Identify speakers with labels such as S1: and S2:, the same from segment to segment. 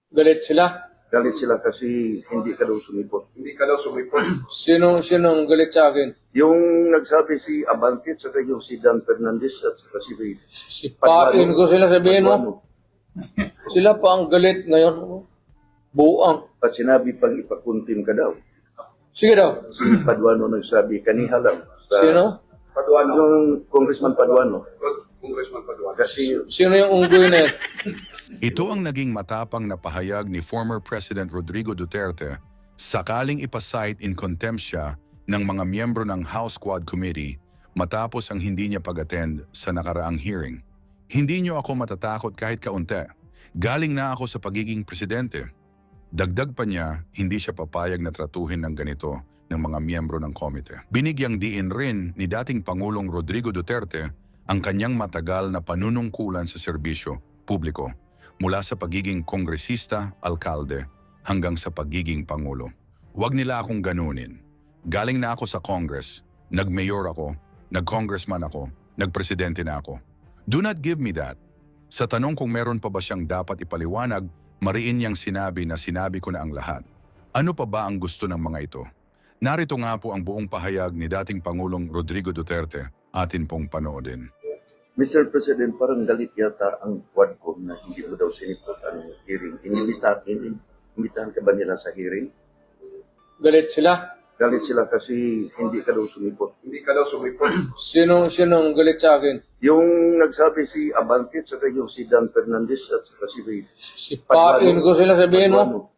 S1: Galit sila.
S2: Galit sila kasi hindi ka daw sumipot.
S3: Hindi ka daw sumipot.
S1: Sinong galit sa akin?
S2: Yung nagsabi si Abante at saka yung si Dan Fernandez at saka si
S1: Sipain ko sila, sabihin mo.
S2: Paduano.
S1: Sila pa ang galit ngayon. Buang.
S2: At sinabi pang ipakuntim ka daw.
S1: Sige daw.
S2: Si Paduano nagsabi, kaniha lang. Sa,
S1: Sino?
S3: Paduano.
S2: Yung Congressman Paduano.
S3: Congressman Paduano.
S2: Kasi
S1: Sino yung unggoy na yan?
S4: Ito ang naging matapang na pahayag ni former President Rodrigo Duterte sakaling ipasight in contempt siya ng mga miyembro ng House Quad Committee matapos ang hindi niya pag-attend sa nakaraang hearing. Hindi niyo ako matatakot kahit kaunti. Galing na ako sa pagiging presidente. Dagdag pa niya, hindi siya papayag na tratuhin ng ganito ng mga miyembro ng komite. Binigyang diin rin ni dating Pangulong Rodrigo Duterte ang kanyang matagal na panunungkulan sa serbisyo publiko mula sa pagiging kongresista, alkalde, hanggang sa pagiging pangulo. Huwag nila akong ganunin. Galing na ako sa Congress, nag-mayor ako, nag-congressman ako, nag-presidente na ako. Do not give me that. Sa tanong kung meron pa ba siyang dapat ipaliwanag, mariin niyang sinabi na sinabi ko na ang lahat. Ano pa ba ang gusto ng mga ito? Narito nga po ang buong pahayag ni dating Pangulong Rodrigo Duterte, atin pong panoodin.
S2: Mr. President, parang galit yata ang Quadcom na hindi mo daw sinipot ang hearing. Inimbitahan ka ba nila sa hearing?
S1: Galit sila.
S2: Galit sila kasi hindi ka daw sumipot.
S3: Hindi ka daw sumipot.
S1: Sinong galit sa akin?
S2: Yung nagsabi si Abante at saka yung si Dan Fernandez at saka si
S1: Sipain ko sila, sabihin mo.
S2: Paduano.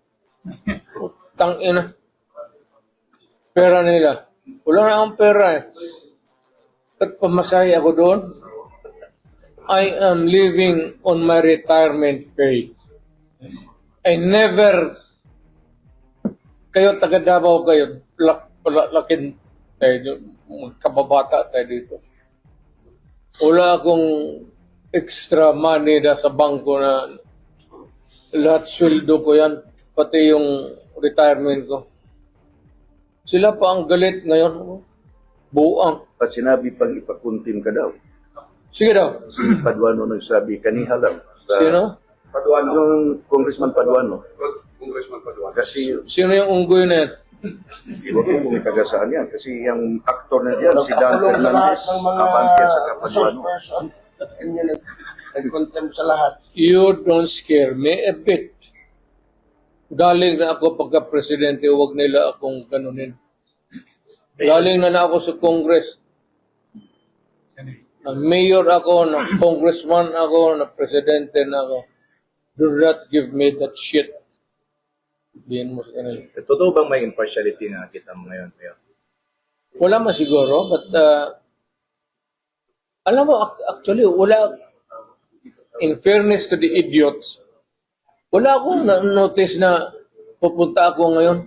S1: Tangina. Pera nila. Wala na akong pera eh. At pamasahe ako doon. I am living on my retirement pay. I never, kayo taga Davao kayo, lakin tayo, kababata tayo dito. Wala akong extra money na sa bangko na lahat sweldo ko yan, pati yung retirement ko. Sila pa ang galit ngayon. Buang.
S2: At sinabi pang ipakuntim ka daw.
S1: Sige daw.
S2: Si Paduano nagsabi, kaniha lang. Sa,
S1: Sino?
S3: Paduano.
S2: Yung Congressman Paduano.
S3: Congressman Paduano.
S2: Kasi
S1: Sino yung unggoy na yan?
S2: iba ko kung itagasaan yan. Kasi yung aktor na diyan, si Dan Fernandez, Abante at saka Paduano.
S5: Nag-contempt sa lahat.
S1: You don't scare me a bit. Galing na ako pagka-presidente, huwag nila akong ganunin. Galing na ako sa Congress. Na mayor ako, na congressman ako, na presidente na ako. Do not give me that shit. Diyan mo sa kanila.
S6: Totoo bang may impartiality na kita mo ngayon, Mayor?
S1: Wala man siguro, but alam mo, actually, wala, in fairness to the idiots, wala akong notice na pupunta ako ngayon.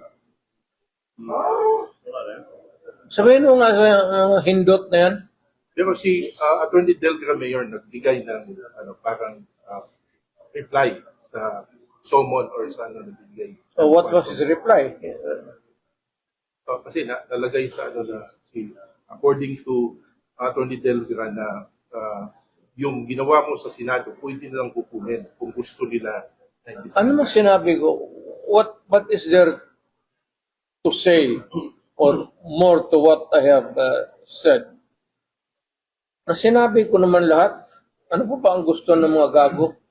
S1: Sabihin mo nga sa hindot na yan.
S7: Pero si Attorney Delgra Mayor nagbigay ng parang reply sa summon or sa nagbigay.
S1: So what was his reply?
S7: Kasi nalagay sa na according to Attorney Delgra na yung ginawa mo sa Senado pwede nilang kukunin kung gusto nila.
S1: Ano man sinabi ko? What is there to say or more to what I have said? Na sinabi ko naman lahat. Ano pa ba ang gusto ng mga gago?